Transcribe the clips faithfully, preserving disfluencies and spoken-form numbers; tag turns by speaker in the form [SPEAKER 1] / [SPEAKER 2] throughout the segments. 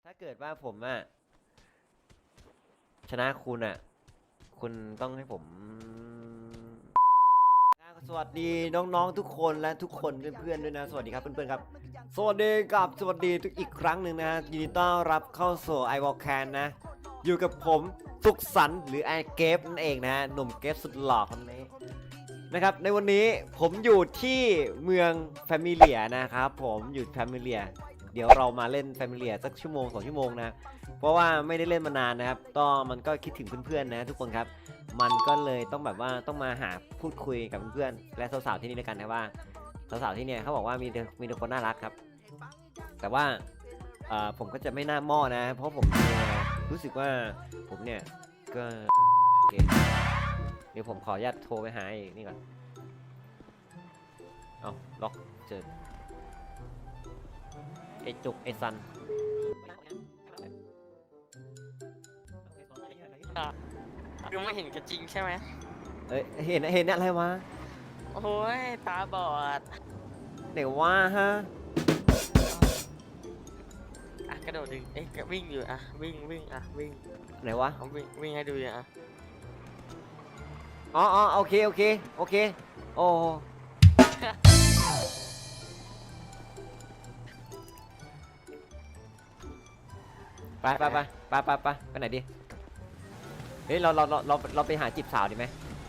[SPEAKER 1] ถ้าเกิดว่าผมอะชนะคุณอะคุณต้องให้ผมสวัสดีน้องๆทุกคนและทุกคนเพื่อนๆด้วยนะสวัสดีครับเพื่อนๆครับสวัสดีกับสวัสดีทุกอีกครั้งหนึ่งนะฮะยินดีต้อนรับเข้าสู่ ไอ วอล แคน นะอยู่กับผมสุขสันต์หรือไอเกฟนั่นเองนะฮะหนุ่มเกฟสุดหล่อคนนี้นะครับในวันนี้ผมอยู่ที่เมืองแฟมิเลียนะครับผมอยู่แฟมิเลียเดี๋ยวเรามาเล่นแฟมิเลียสักชั่วโมงสองชั่วโมงนะเพราะว่าไม่ได้เล่นมานานนะครับก็มันก็คิดถึงเพื่อนๆนะทุกคนครับมันก็เลยต้องแบบว่าต้องมาหาพูดคุยกับเพื่อนๆและสาวๆที่นี่ด้วยกันนะว่าสาวๆที่เนี่ยเขาบอกว่ามีมีแต่คนน่ารักครับแต่ว่าผมก็จะไม่น่าหม้อนะเพราะผมรู้สึกว่าผมเนี่ยก็เดี๋ยวผมขออนุญาตโทรไปหาไอ้นี่ก่อนเอาล็อกเจอไอ้จุกไอ้ซัน
[SPEAKER 2] ยังไม่เห็นกันจริงใช่ไหม
[SPEAKER 1] เอ้ยเห็นเห็นอะไรวะ
[SPEAKER 2] โอ้ยตาบอด
[SPEAKER 1] ไหนว่าฮะ
[SPEAKER 2] อ่ะกระโดดดึงเอ๊ะวิ่งอยู่อ่ะวิ่งวิ่งอ่ะวิ่ง
[SPEAKER 1] ไหนวะ
[SPEAKER 2] เอาวิ่งวิ่งให้ดูอ่ะ
[SPEAKER 1] อ๋ออ๋อโอเคโอเคโอเคโอ้ไปไปไปไปไปไปไปไหนดีเฮ้ยเราเราเราเราเราไปหาจีบสาวดีไหม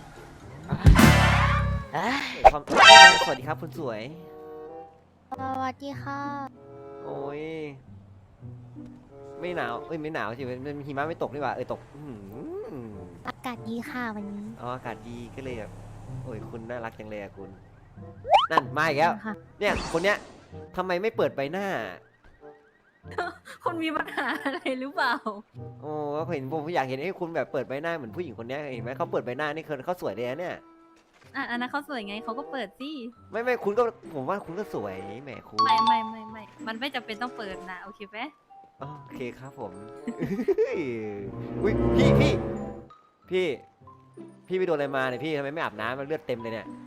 [SPEAKER 1] ความสวัสดีครับคุณสวย
[SPEAKER 3] สวัสดีค่ะ
[SPEAKER 1] โอ้ยไม่หนาวเอ้ยไม่หนาวสิมันหิมะไม่ตกนี่หว่าเออตก
[SPEAKER 3] อากาศดีค่ะวันนี้
[SPEAKER 1] อ๋ออากาศดีก็เลยแบบโอ้ยคุณน่ารักจังเลยอะคุณนั่นมาอีกแล้วเนี่ยคนเนี้ยทำไมไม่เปิดใบหน้า
[SPEAKER 3] คุณมีปัญหาอะไรหรือเปล่า
[SPEAKER 1] โอ้เห็นผมอยากเห็นให้คุณแบบเปิดใบหน้าเหมือนผู้หญิงคนนี้เห็นไหมเขาเปิดใบหน้านี่คือเขาสวยเลยนะเนี่ย
[SPEAKER 3] อ่ะอันนั้นเขาสวยไงเขาก็เปิดสิ
[SPEAKER 1] ไม่ไม่คุณก็ผมว่าคุณก็สวยแหมคุณ
[SPEAKER 3] ไม่ไม่ไม่ไม่มันไม่จำเป็นต้องเปิดนะโอเคไหม
[SPEAKER 1] โอเคครับผมอุ้ยพี่พี่พี่พี่ไปโดนอะไรมาเนี่ยพี่ทำไมไม่อาบน้ำมันเลือดเต็มเลยเนี่ย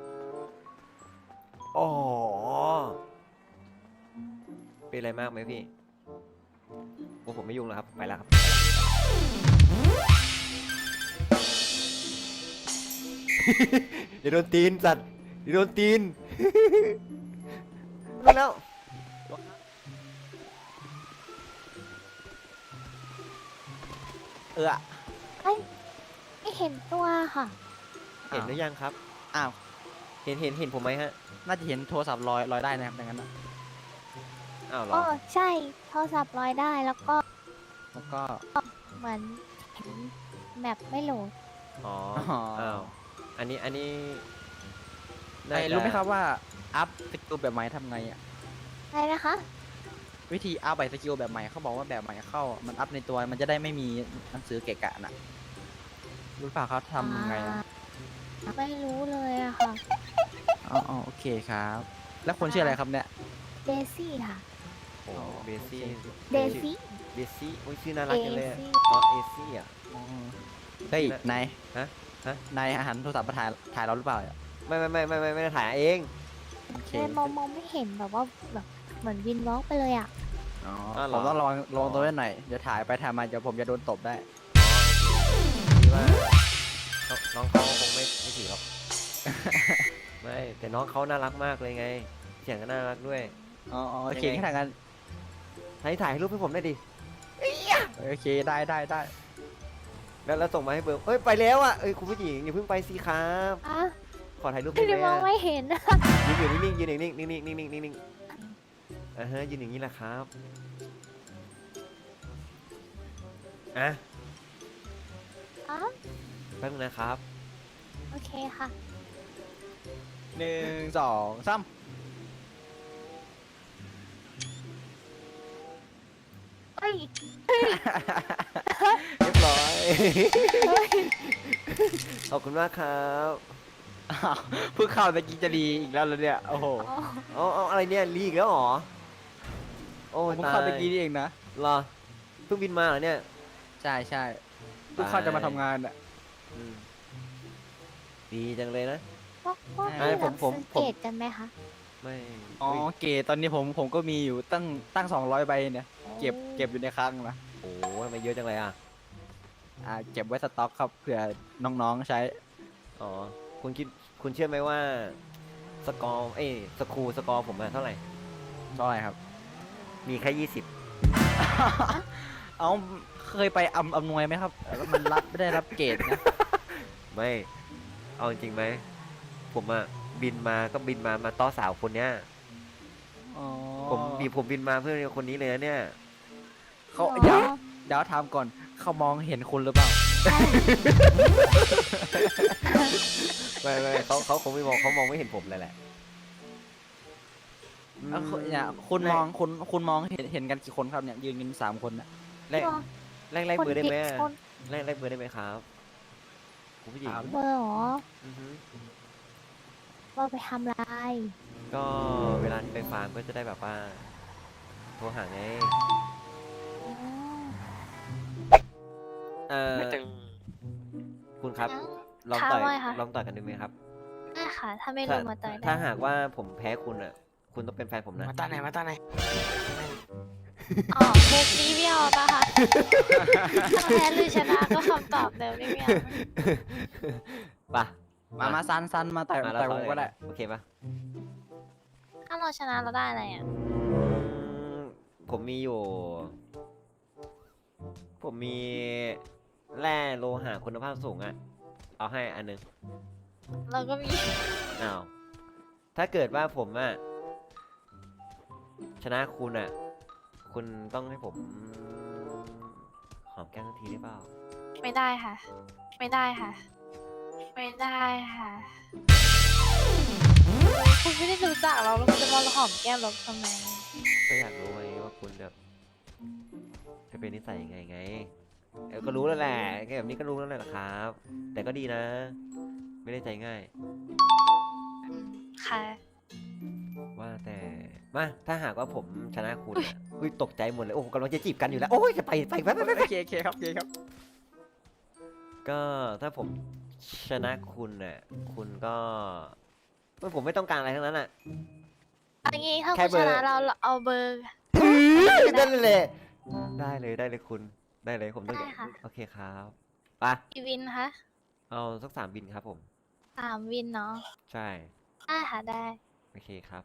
[SPEAKER 1] อ๋อเป็นอะไรมากไหมพี่โอ้ผมไม่ยุ่งแล้วครับไปแล้วครับเดี๋ยวโดนตีนสัตว์เดี๋ยวโดนตีนรู้แล้วเออ
[SPEAKER 3] ไม่เห็นตัวค่ะ
[SPEAKER 1] เห็นหรือยังครับ
[SPEAKER 4] อ้าว
[SPEAKER 1] เห็นเห็นเห็นผมไหมฮะ
[SPEAKER 4] น่าจะเห็นโทรศัพท์ลอยลอยได้นะครับดังนั้นนะ
[SPEAKER 1] อ้าวเหรอ
[SPEAKER 3] อ๋อใช่โทรศัพท์ลอยได้แล้วก็
[SPEAKER 4] แล้วก็
[SPEAKER 3] เหมือนเห็นแมปไม่โหลด
[SPEAKER 1] อ๋ออ้าวอันนี้อันนี้
[SPEAKER 4] รู้ไหมครับว่าอัพสกิลแบบใหม่ทำไงอ่ะ
[SPEAKER 3] อะไรนะคะ
[SPEAKER 4] วิธีอัพใบสกิลแบบใหม่เขาบอกว่าแบบใหม่เข้ามันอัพในตัวมันจะได้ไม่มีหนังสือเกะกะน่ะรู้เปล่าเขาทำไงอ่ะ
[SPEAKER 3] ไม่รู้เลยอะค่ะ
[SPEAKER 4] อ๋อโอเคครับแล้วคนชื่ออะไรครับเนี่ย
[SPEAKER 3] เดซี่ค่ะ
[SPEAKER 1] โอ้เบซี่
[SPEAKER 3] เดซี่
[SPEAKER 1] เบซี่โอ้ยชื่อน่ารักจังเลยอ๋อเอซี่อ่ะ
[SPEAKER 4] เฮ้ยนาย
[SPEAKER 1] ฮะฮะ
[SPEAKER 4] นายอาหารโทรศัพท์มาถ่ายถ่ายเราหรือเปล่า
[SPEAKER 1] ไม่ไม่ไม่ไม่ไม่ไม่ได้ถ่ายเอง
[SPEAKER 3] เอมองมองไม่เห็นแบบว่าแบบเหมือนวินวอล์กไปเลยอ่ะ
[SPEAKER 4] อ๋อผมต้องลองลองตัวหน่อยเดี๋ยวถ่ายไปถ่ายมาเดี๋ยวผมจะโดนตบได้
[SPEAKER 1] คิดว่าน้องเขาคงไม่ไม่ถือหรอกไม่แต่น้องเขาน่ารักมากเลยไงเสียงก็น่ารักด้วย
[SPEAKER 4] อ๋อโอเคแค่ทางกัน
[SPEAKER 1] ถ่ายถ่ายรูปให้ผมได้ดิ
[SPEAKER 4] โอเคได้ได้ได้
[SPEAKER 1] แล้วแล้วส่งมาให้เบอร์เอ้ยไปแล้วอ่ะเอ้ยคุณผู้หญิงอย่าเพิ่งไปสิครับขอถ่ายรูปได้ไหม
[SPEAKER 3] มองไม่เห็น
[SPEAKER 1] ยืนอยู่นิ่งๆยืนนิ่งๆนิ่งๆนิ่งๆนิ่งๆอ่าฮะยืนอย่างนี้แหละครับอ่ะแป๊บนึงนะครับ
[SPEAKER 3] โอเคค่ะ
[SPEAKER 4] หนึ่งสองสาม
[SPEAKER 3] เฮ้ย
[SPEAKER 1] เรียบร้อยขอบคุณมากครับ
[SPEAKER 4] เพิ่งเข้าตะกี้จะดีอีกแล้วเลยเนี่ยโอ้โห
[SPEAKER 1] อ๋ออะไรเนี่ยรีอีกแล้วหรอโอ้
[SPEAKER 4] เพิ่งเข้าตะกี้นี่เองนะ
[SPEAKER 1] รอเพิ่งบินมาเหรอเนี่ย
[SPEAKER 4] ใช่ใช่เพิ่งเข้าจะมาทำงานอ่ะ
[SPEAKER 1] ดีจังเลยนะ
[SPEAKER 3] ผมผมเกตกันไหมคะ
[SPEAKER 1] ไม่
[SPEAKER 4] อ๋อเกตตอนนี้ผมผมก็มีอยู่ตั้งตั้งสองร้อยใบเนี่ย
[SPEAKER 1] อ๋อ
[SPEAKER 4] เก็บเก็บอยู่ในคลังนะ
[SPEAKER 1] โอ้ทำไมเยอะจังเลยอ่ะ
[SPEAKER 4] อ่าเก็บไว้สต็อกครับเผื่อน้องๆใช้
[SPEAKER 1] อ๋อคุณคิดคุณเชื่อไหมว่าสกอร์เอ้ยสครูสกอร์ผมอะเท่าไหร่
[SPEAKER 4] เท่าไหร่ครับ
[SPEAKER 1] มีแค่ยี่สิบ
[SPEAKER 4] เอาเคยไปอำอำนวยไหมครับแล้วมันรับไม่ได้รับเกรดนะ
[SPEAKER 1] ไม่ เอาจริงไหม ผมอะบินมาก็บินมามาต้อสาวคนเนี้ย
[SPEAKER 4] อ๋อ
[SPEAKER 1] ผมบีผมบินมาเพื่อคนนี้เลยนะเนี่ย
[SPEAKER 4] เขาเดี๋ยวเดี๋ยวถามก่อนเขามองเห็นคุณหรือเปล่า
[SPEAKER 1] ไม่ไม่เขาเขาคงไม่มองเขามองไม่เห็นผมเลยแหละ
[SPEAKER 4] แล้วคุณเนี่ยคุณมองคุณคุณมองเห็นเห็นกันกี่คนครับเนี่ยยืนกันสามคนน่ะ
[SPEAKER 1] แลกแลกแลก
[SPEAKER 3] คน
[SPEAKER 1] เบอร์ได้ไหม
[SPEAKER 3] ผิ
[SPEAKER 1] อะ
[SPEAKER 3] คน
[SPEAKER 1] แลกแลกเบอร์ได้ไหมครับคุณผู้หญิง
[SPEAKER 4] ครับ
[SPEAKER 3] เบอร์เหรอ
[SPEAKER 1] อือฮึ
[SPEAKER 3] ว่าไปทำลาย
[SPEAKER 1] ก็เวลาที่ไปฟาร์มก็จะได้แบบว่าโทรหาไง
[SPEAKER 3] อ๋อ
[SPEAKER 1] เอ่อ
[SPEAKER 2] ไม่ตึง
[SPEAKER 1] คุณครับ
[SPEAKER 3] แล้ว
[SPEAKER 1] ลอง
[SPEAKER 3] ค่ะ
[SPEAKER 1] ต่อย
[SPEAKER 3] ว่าไงคะ
[SPEAKER 1] ลองต่อยกันดูไหมครับ
[SPEAKER 3] ได้ค่ะ ถ้าไม่ล
[SPEAKER 1] ถ้าง
[SPEAKER 3] มาต่อยได้
[SPEAKER 1] ถ้าหากว่าผมแพ้คุณอ่ะ คุณต้องเป็นแฟนผมนะ
[SPEAKER 2] มาตาไหนมาตาไหน
[SPEAKER 3] อ๋อเด็กนี้ไม่เอาปะคะถ้าแพ้หรือชนะก็คำตอบเดิมนี่ไม่เอา
[SPEAKER 1] ปะ
[SPEAKER 4] มามาซันซันมาต่อย
[SPEAKER 1] มาแล้ว
[SPEAKER 4] ต่อยวงก็ได้
[SPEAKER 1] โอเคปะ
[SPEAKER 3] ถ้าเราชนะเราได้อะไรอ่ะ
[SPEAKER 1] อืมผมมีอยู่ ผมมีแร่โลหะคุณภาพสูงอ่ะ เอาให้อันหนึง
[SPEAKER 3] เราก็มี
[SPEAKER 1] อ้าว ถ้าเกิดว่าผมอ่ะ ชนะคุณอ่ะ คุณต้องให้ผมหอมแก้มทันทีได้เปล่า
[SPEAKER 3] ไม่ได้ค่ะ ไม่ได้ค่ะ ไม่ได้ค่ะคุณไม่ได้รู้จักเราแล้วคุณจะมาหอมแก้มเราทำไม
[SPEAKER 1] ก็อยากรู้ไงว่าคุณแบบจะเป็นนิสัยยังไงไงเออก็รู้แล้วแหละแค่แบบนี้ก็รู้แล้วแหละครับ แต่ก็ดีนะ ไม่ได้ใจง่าย
[SPEAKER 3] อืมค่ะ
[SPEAKER 1] ว่าแต่มาถ้าหากว่าผมชนะคุณอ่ะอุ้ยตกใจหมดเลยโอ้กำลังจะจีบกันอยู่แล้วโอ้ยจะไปไปไปไปไป
[SPEAKER 4] โอเคโอเคครับโอเคครับ
[SPEAKER 1] ก็ถ้าผมชนะคุณน่ะคุณก็ไม่ผมไม่ต้องการอะไรทั้งนั้นอ่ะ
[SPEAKER 3] อันนี้ถ้า
[SPEAKER 1] แค่
[SPEAKER 3] คุณ
[SPEAKER 1] เบ
[SPEAKER 3] ช
[SPEAKER 1] อร์
[SPEAKER 3] นะเราเอาเบอร์
[SPEAKER 1] ได้เลยได้เลยได้เลยคุณได้เลยผมต้อง
[SPEAKER 3] ได้ค่ะ
[SPEAKER 1] โอเคครับไป
[SPEAKER 3] กี่วินคะ
[SPEAKER 1] เอาสักสามบินครับผม
[SPEAKER 3] สามวินเนาะ
[SPEAKER 1] ใช่
[SPEAKER 3] ได้ค่ะได้
[SPEAKER 1] โอเคครับ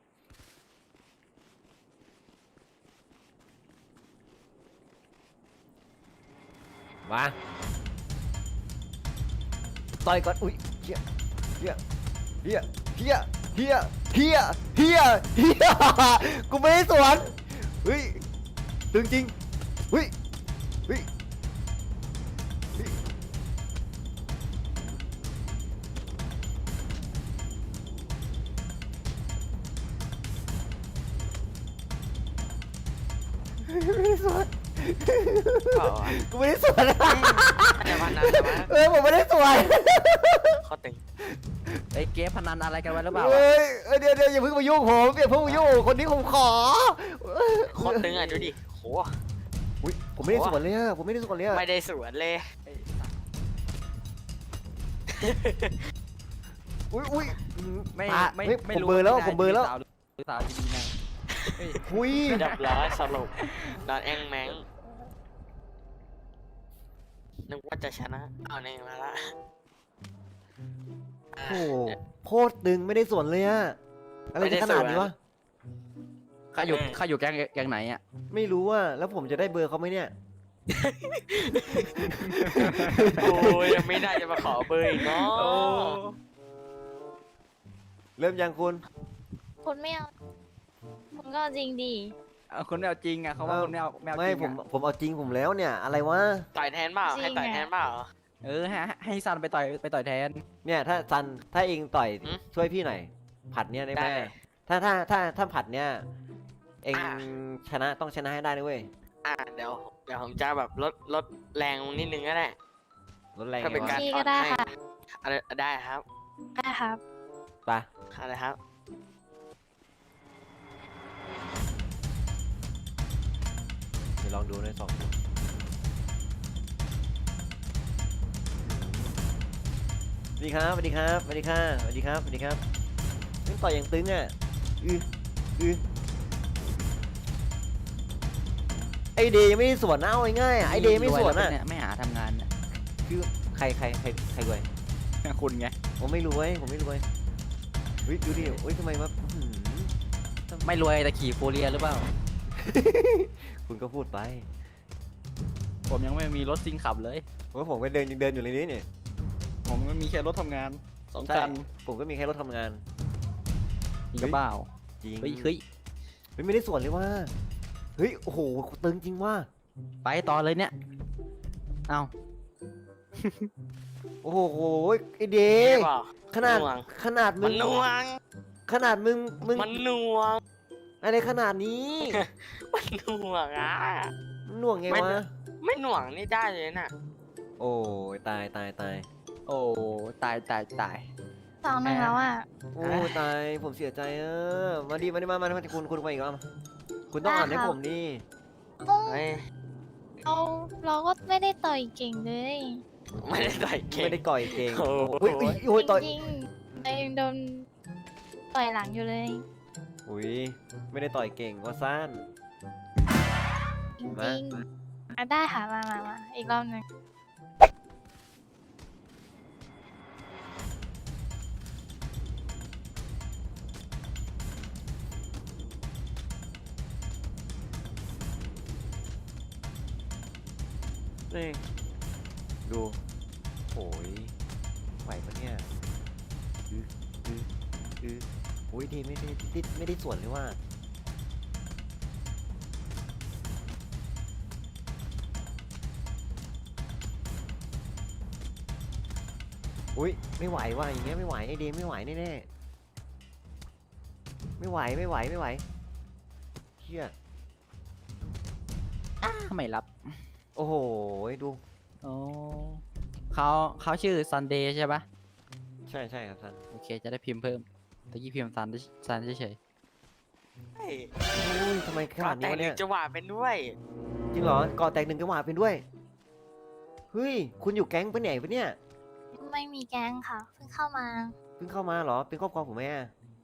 [SPEAKER 1] มาต่อยก่อนอุ้ยเฮียเฮียเฮียเฮียเฮียเฮียเฮียเฮียกูไม่ได้สวนเฮ้ยตึงจริงเฮ้ยเฮ้ยเฮ้ยไม่ได้สวน
[SPEAKER 2] เปล่าอ่ะ
[SPEAKER 1] กูไม่ได้สวน
[SPEAKER 2] แต่วันนั้นแต่ว่า
[SPEAKER 1] เออผมไม่ได้สวน
[SPEAKER 2] เขาตึง
[SPEAKER 4] ไอ้เกมพนันอะไรกันไว้หรือเปล่า
[SPEAKER 1] เฮ้ยเอ้ยเดี๋ยวเดี๋ยวอย่าเพิ่งมายุ่งผมอย่าเพิ่งมายุ่งคนนี้ผมขอ
[SPEAKER 2] โคตรตึงอ่ะดูดิโห
[SPEAKER 1] อุ้ยผมไม่ได้สวนเลยอะผมไม่ได้สวนเลยอะ
[SPEAKER 2] ไม่ได้สวนเลย
[SPEAKER 1] อุ้ยอุ้ย
[SPEAKER 4] ไม่
[SPEAKER 1] ตา
[SPEAKER 4] ไม่
[SPEAKER 1] เฮ้ย
[SPEAKER 4] ไม่
[SPEAKER 1] ผม
[SPEAKER 4] รู้
[SPEAKER 1] เบอร์แล้ว
[SPEAKER 4] ว่า
[SPEAKER 1] ผมเบอร์แล้ว
[SPEAKER 4] สาวหรือสาวดีๆนะเฮ้ย
[SPEAKER 1] อุ้ย
[SPEAKER 2] เรียบร้อยสรุปนอนแองแมงนึกว่าจะชนะเอาเองมาละ
[SPEAKER 1] โอ้โหโคตรตึงไม่ได้สวนเลยอะอะไรจะขนาดนี้วะ
[SPEAKER 4] ข้าอยู่ข้าอยู่แก๊งแก๊งไหนอ่ะ
[SPEAKER 1] ไม่รู้อะแล้วผมจะได้เบอร์เขาไหมเนี่ย
[SPEAKER 2] โอ้ยยังไม่ได้จะมาขอเบอร์อีกเนาะ
[SPEAKER 1] เริ่มยังคุณ
[SPEAKER 3] คุณไม่เอาคุณก็เอาจริงดี
[SPEAKER 4] เอาคนไม่เอาจริงอ่ะเขาว่า
[SPEAKER 1] เอ้า
[SPEAKER 4] คนไม่เอาไม่เอาจ
[SPEAKER 1] ไม่
[SPEAKER 4] ริง
[SPEAKER 1] ผม
[SPEAKER 4] อ่ะ
[SPEAKER 1] ผมเอาจริงผมแล้วเนี่ย อะไรวะ
[SPEAKER 2] ต่อยแทนเปล่าให้ต่อยแทนเปล่า
[SPEAKER 4] เออให้ให้ซันไปต่อยไปต่อยแทน
[SPEAKER 1] เนี่ยถ้าซันถ้าเองต่อย
[SPEAKER 2] หืม
[SPEAKER 1] ช่วยพี่หน่อยผัดเนี่ยได้ไหม
[SPEAKER 2] ได้เลย
[SPEAKER 1] ถ้าถ้าถ้าถ้าผัดเนี่ยเอง
[SPEAKER 2] อ่ะ
[SPEAKER 1] ชนะต้องชนะให้ได้ด้วย
[SPEAKER 2] อ่ะเดี๋ยวเดี๋ยวผมจะแบบลดลดแรงนิดนึงก็ได้
[SPEAKER 1] ลดแรง
[SPEAKER 2] ถ้า
[SPEAKER 1] ไง
[SPEAKER 2] เป็น
[SPEAKER 1] วะ
[SPEAKER 2] การ
[SPEAKER 3] พี่
[SPEAKER 2] อ่
[SPEAKER 3] ก็
[SPEAKER 2] อน
[SPEAKER 3] ได้
[SPEAKER 2] ให้
[SPEAKER 3] ค่ะ
[SPEAKER 2] อะไรได้ครับ
[SPEAKER 3] ได้ครับ
[SPEAKER 1] ไป
[SPEAKER 2] อะไรครับ
[SPEAKER 1] เดี๋ยวลองดูในสองดูสวัสดีครับสวัสดีครับสวัสดีครับสวัสดีครับสวัสดีครับนี่ต่อยอย่างตึงอ่ะอืออือไอเดย์ยังไม่ได้สวนนะเอาง่ายๆอะไอเดย์ไม่สวน
[SPEAKER 4] รย
[SPEAKER 1] อ่ะ
[SPEAKER 4] แล้วเยไม่หาทำงานเนี่ย
[SPEAKER 1] คือใครใครใครใครรวย
[SPEAKER 4] คุณไง
[SPEAKER 1] ผมไม่รวยผมไม่รวยเฮ้ยดูดิเฮ้ยทำไมวะอื้อหือ
[SPEAKER 4] ไม่รวยแต่ขี่โฟเรียหรือเปล่า
[SPEAKER 1] คุณก็พูดไป
[SPEAKER 4] ผมยังไม่มีรถซิ่งขับเลย
[SPEAKER 1] ว่าผมก็เดินยังเดินอยู่ในนี้เนี่ย
[SPEAKER 4] ผมก็มีแค่รถทำงานสอง
[SPEAKER 1] ใช่
[SPEAKER 4] คัน
[SPEAKER 1] ผมก็มีแค่รถทำงาน
[SPEAKER 4] จริงหรือเปล่า
[SPEAKER 1] จริง
[SPEAKER 4] เฮ้ยเฮ้ย
[SPEAKER 1] เฮ้ยไม่ได้สวนเลยว่าเฮ้ยโอ้โหตึงจริงว่า
[SPEAKER 4] ไปต่อเลยเนี่ยเอา
[SPEAKER 1] โอ้โหไอเด
[SPEAKER 2] เอ๊ะ
[SPEAKER 1] ย์
[SPEAKER 2] เปล่า
[SPEAKER 1] ขนาด
[SPEAKER 2] หน่วง
[SPEAKER 1] ขนาดมึ
[SPEAKER 2] มั
[SPEAKER 1] ง
[SPEAKER 2] นหน่วง
[SPEAKER 1] ขนาดมึงมึง
[SPEAKER 2] มันหน่วง
[SPEAKER 1] อะไรขนาดนี้
[SPEAKER 2] มันหน่วงอ่ะ
[SPEAKER 1] หน่วงไง
[SPEAKER 2] ไม่
[SPEAKER 1] วะ
[SPEAKER 2] ไม่หน่วงนี่ได้เลยน่ะ
[SPEAKER 1] โอ้ยตายตายตาย
[SPEAKER 4] โอ้ตายตายตาย
[SPEAKER 3] สองหนึ่งแล้วอ่ะ
[SPEAKER 1] โอ้ยตายผมเสียใจเออมาดิมาดิมามามาคุณคุณไปอีกแล้วมาคุณต้องอ่านให้ผมดิ
[SPEAKER 2] เฮ้ย
[SPEAKER 3] เราเราก็ไม่ได้ต่อยเก่งเลย
[SPEAKER 2] ไม่ได้ใส่เก่ง
[SPEAKER 1] ไม่ได้ก่อยเก่ง
[SPEAKER 2] โอ้โห
[SPEAKER 1] โอ้ยอุ้ยโอ้ยต่อย
[SPEAKER 3] จริงๆเรายังโดนต่อยหลังอยู่เลย
[SPEAKER 1] อุ้ยไม่ได้ต่อยเก่งว่าซ่าน
[SPEAKER 3] จริง
[SPEAKER 1] มา
[SPEAKER 3] ๆอ่ะได้ค่ะมามามาอีกรอบหนึ่ง
[SPEAKER 1] นี่ดูโอ้ยไหวปะเนี่ยอืออืออือโอ้ยดีไม่ได้ไม่ได้ไม่ได้ส่วนเลยว่าอุ้ยไม่ไหวว่ะอย่างเงี้ยไม่ไหวไอเดย์ไม่ไหวแน่ๆไม่ไหวไม่ไหวไม่ไหวเชี่ย
[SPEAKER 4] ไม่รับ
[SPEAKER 1] โอ้โหดู
[SPEAKER 4] โอ้เขาเขาชื่อซันเดย์ใช่ปะ
[SPEAKER 1] ใช่ใช่ครับท่าน
[SPEAKER 4] โอเคจะได้พิมพ์เพิ่มตะกี้พิมพ์ซันซันเฉย
[SPEAKER 2] เฮ้ย
[SPEAKER 1] โอ้ยทำไมขนาดนี้
[SPEAKER 2] แต่
[SPEAKER 1] วะ
[SPEAKER 2] หนึ่
[SPEAKER 1] เนี่
[SPEAKER 2] ง
[SPEAKER 1] ย
[SPEAKER 2] จังหวะเป็นด้วย
[SPEAKER 1] จริงเหรอก่อแตกหนึ่งจังหวะเป็นด้วยเฮ้ยคุณอยู่แก๊งปะเนี่ยปะเนี่ย
[SPEAKER 3] ไม่มีแก๊งค่ะเพิ่งเข้ามา
[SPEAKER 1] เพิ่งเข้ามาเหรอเป็นครอบครัวผมไหมอะ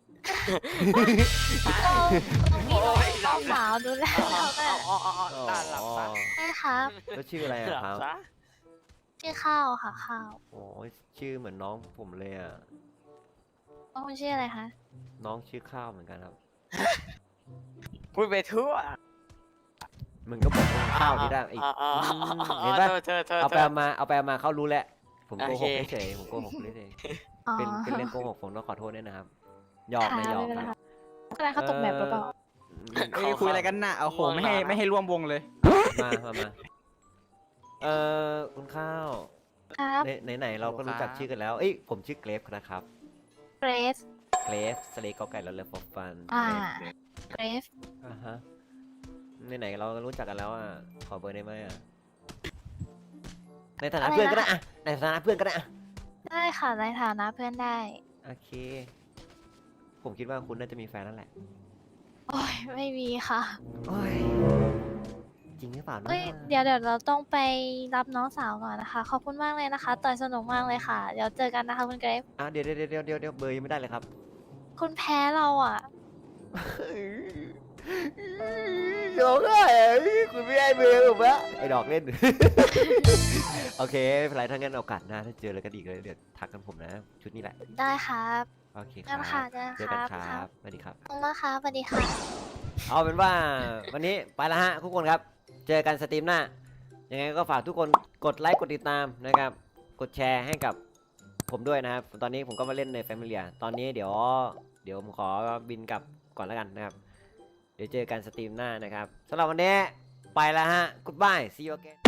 [SPEAKER 3] เราเรามี
[SPEAKER 2] โอ้ย
[SPEAKER 3] น้องสาวดูแลเราแม่
[SPEAKER 2] อ๋ออ๋ออ๋อตาหลับซะ
[SPEAKER 3] ใช่ครับ
[SPEAKER 1] แล้วชื่ออะไร
[SPEAKER 2] ห
[SPEAKER 1] อะ
[SPEAKER 2] ลับ
[SPEAKER 1] ครับ
[SPEAKER 2] ซะ
[SPEAKER 3] ชื่อข้าวค่ะข้าว
[SPEAKER 1] โอ้ยชื่อเหมือนน้องผมเลยอะ
[SPEAKER 3] น้องคุณชื่ออะไรคะ
[SPEAKER 1] น้องชื่อข้าวเหมือนกันครับ
[SPEAKER 2] พูดไปทั่ว
[SPEAKER 1] มึงก็บอกว่าข้าวนี่ได้อีก
[SPEAKER 2] อ๋ออ๋อ
[SPEAKER 1] ม
[SPEAKER 2] อ๋อ
[SPEAKER 1] เห็นปะ
[SPEAKER 2] เธอเธอเธอ
[SPEAKER 1] เอาไปเอามาเอาไปเอามาเขารู้แล้วผมโกหก
[SPEAKER 2] โอเค
[SPEAKER 1] เฉยๆผมโกหกเฉย
[SPEAKER 3] อ๋อ
[SPEAKER 1] ๆเป็นเป็นเรื่องโกหกผมต้องขอโทษด้วยนะครับหยอก
[SPEAKER 3] ค่ะ
[SPEAKER 1] นะหยอก
[SPEAKER 3] ไม่เป็นไร
[SPEAKER 1] นะ
[SPEAKER 3] ค่ะอะไรเขาตกแบบหรือเปล่า
[SPEAKER 1] อืม
[SPEAKER 4] ๆเอ้ยคุยอะไรกันน่ะโอ้โหไม่ให้ไม่ให้ร่วมวงเลย
[SPEAKER 1] มามามาเอ่อคุณข้าว
[SPEAKER 3] ครับ
[SPEAKER 1] ไหนไหนๆเราก็รู้จักชื่อกันแล้ว เอ้ย ผมชื่อเกรฟนะครับ
[SPEAKER 3] เกรซ
[SPEAKER 1] เกรฟสเลกอไก่แล้วเลยฟอฟัน
[SPEAKER 3] อ่า เกรซ
[SPEAKER 1] อ่าฮะไหนๆเราก็รู้จักกันแล้วอ่ะ ขอเบอร์ได้ไหมอ่ะ ในฐานะเพื่อนก็ได้อ่ะ ในฐานะเพื่อนก็ได้อ่ะ
[SPEAKER 3] ได้ค่ะในฐานะเพื่อนได้
[SPEAKER 1] โอเค ผมคิดว่าคุณน่าจะมีแฟนแล้วแหละ
[SPEAKER 3] โอ้ยไม่มีค่ะ
[SPEAKER 1] โอ้ย จริงหรือเปล่านะ
[SPEAKER 3] เอ้ยเดี๋ยวเดี๋ยวเราต้องไปรับน้องสาวก่อนนะคะ ขอบคุณมากเลยนะคะ ต่อยสนุกมากเลยค่ะ เดี๋ยวเจอกันนะคะคุณเกรฟ
[SPEAKER 1] อ่ะเดี๋ยวเดี๋ยวเดี๋ยวเดี๋ยวเดี๋ยวเบอร์ยังไม่ได้เลยครับ
[SPEAKER 3] คุณแพ้เราอ่ะ
[SPEAKER 1] ร้องไห้คุณไม่ให้เบอร์ผมวะไอ้ดอกเล่น โอเคไม่เป็นไรถ้างั้นโอกาสหน้าถ้าเจอแล้วก็ดีเลยเดี๋ยวทักกันผมนะ ชุดนี้แหละ
[SPEAKER 3] ได้ครับ
[SPEAKER 1] โอเคค
[SPEAKER 3] งั้
[SPEAKER 1] รั
[SPEAKER 3] นค่ะ
[SPEAKER 1] บ
[SPEAKER 3] เจอ
[SPEAKER 1] เจอ
[SPEAKER 3] ค
[SPEAKER 1] กัน
[SPEAKER 3] รับ
[SPEAKER 1] ค
[SPEAKER 3] ค
[SPEAKER 1] รั
[SPEAKER 3] รั
[SPEAKER 1] บบ สวัสดีครับ
[SPEAKER 3] ขอบคุณมากครับสวัสดีค่ะ
[SPEAKER 1] เอาเป็นว่าวันนี้ไปแล้วฮะทุกคนครับ เจอกันสตรีมหน้า ยังไงก็ฝากทุกคนกดไลค์กดติดตามนะครับ กดแชร์ให้กับผมด้วยนะครับ ตอนนี้ผมก็มาเล่นใน Familia ตอนนี้เดี๋ยวเดี๋ยวผมขอบินกลับก่อนแล้วกันนะครับ เดี๋ยวเจอกันสตรีมหน้านะครับสำหรับวันนี้ไปแล้วฮะ Goodbye see you again